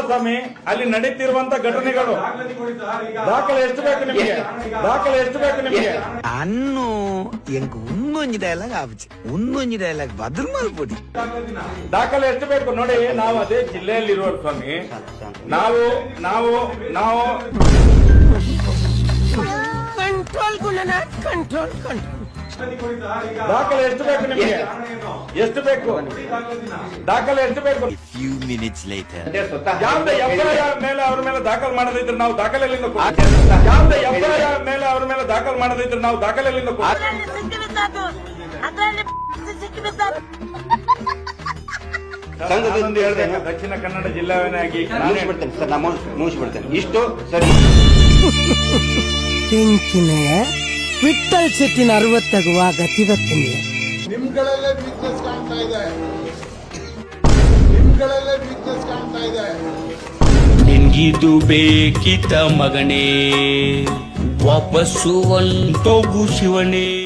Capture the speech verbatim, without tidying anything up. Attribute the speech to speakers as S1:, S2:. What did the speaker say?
S1: ಸ್ವಾಮಿ, ಅಲ್ಲಿ ನಡೀತಿರುವಂತ ಘಟನೆಗಳು ದಾಖಲೆ ಎಷ್ಟು ಬೇಕು ನಿಮಗೆ? ದಾಖಲೆ ಎಷ್ಟು ಬೇಕು ನಿಮಗೆ?
S2: ಅನ್ನು ಎಂಕ್ ಒಂದೊಂದು ಡೈಲಾಗ್ ಆವಚ್ಚು, ಒಂದೊಂದು ಡೈಲಾಗ್ ಬದಲು ಮಾಡ್ಕೊಡಿ.
S1: ದಾಖಲೆ ಎಷ್ಟು ಬೇಕು ನೋಡಿ. ನಾವು ಅದೇ ಜಿಲ್ಲೆಯಲ್ಲಿ ಇರುವ ಸ್ವಾಮಿ, ನಾವು ನಾವು ನಾವು
S3: ಕಂಟ್ರೋಲ್ ಗುಣನಾಥ್, ಕಂಟ್ರೋಲ್ ಕಂಟ್ರೋಲ್.
S1: ದಾಖಲೆ ಎಷ್ಟು ಬೇಕು ನಿಮಗೆ? ಎಷ್ಟು ಬೇಕು? ದಾಖಲೆ ಎಷ್ಟು ಬೇಕು?
S2: ಫ್ಯೂ ಮಿನಿಟ್ಸ್ ಲೇಟರ್
S1: ಯಾವ್ದು ಎಫ್ಐಆರ್ ಮೇಲೆ ಅವ್ರ ಮೇಲೆ ದಾಖಲು ಮಾಡದಿದ್ರೆ ನಾವು ದಾಖಲೆ ಎಲ್ಲಿಂದ ಕೊಡ್ತೀವಿ? ಯಾವ್ದು ಎಫ್ಐಆರ್ ಮೇಲೆ ಅವ್ರ ಮೇಲೆ ದಾಖಲು ಮಾಡದಿದ್ರೆ ನಾವು ದಾಖಲೆ ಎಲ್ಲಿಂದ ಕೊಡ್ತೀವಿ?
S4: ಸಂಘದಿಂದ ಹೇಳ್ತೇನೆ,
S1: ದಕ್ಷಿಣ ಕನ್ನಡ ಜಿಲ್ಲಾವನಾಗಿ
S4: ಮುಗಿಸ್ಬಿಡ್ತೇನೆ ಸರ್, ನಾನು ಮುಗಿಸ್ಬಿಡ್ತೇನೆ. ಇಷ್ಟು ಸರಿ.
S3: ತೆಂಕಿನ ವಿಠಲ್ ಶೆಟ್ಟಿನ ಅರವತ್ತಾಗುವ ಗತಿವತ್ತಿನ
S5: ನಿಮ್ಗಳಲ್ಲೇ ವೀಕ್ನೆಸ್ ಕಾಣ್ತಾ ಇದೆ, ನಿಮ್ಗಳಲ್ಲೇ ವೀಕ್ನೆಸ್ ಕಾಣ್ತಾ ಇದೆ.
S6: ನಿನ್ಗಿದು ಬೇಕಿತ ಮಗನೇ, ವಾಪಸ್ಸು ಒಂದು ಶಿವನೇ.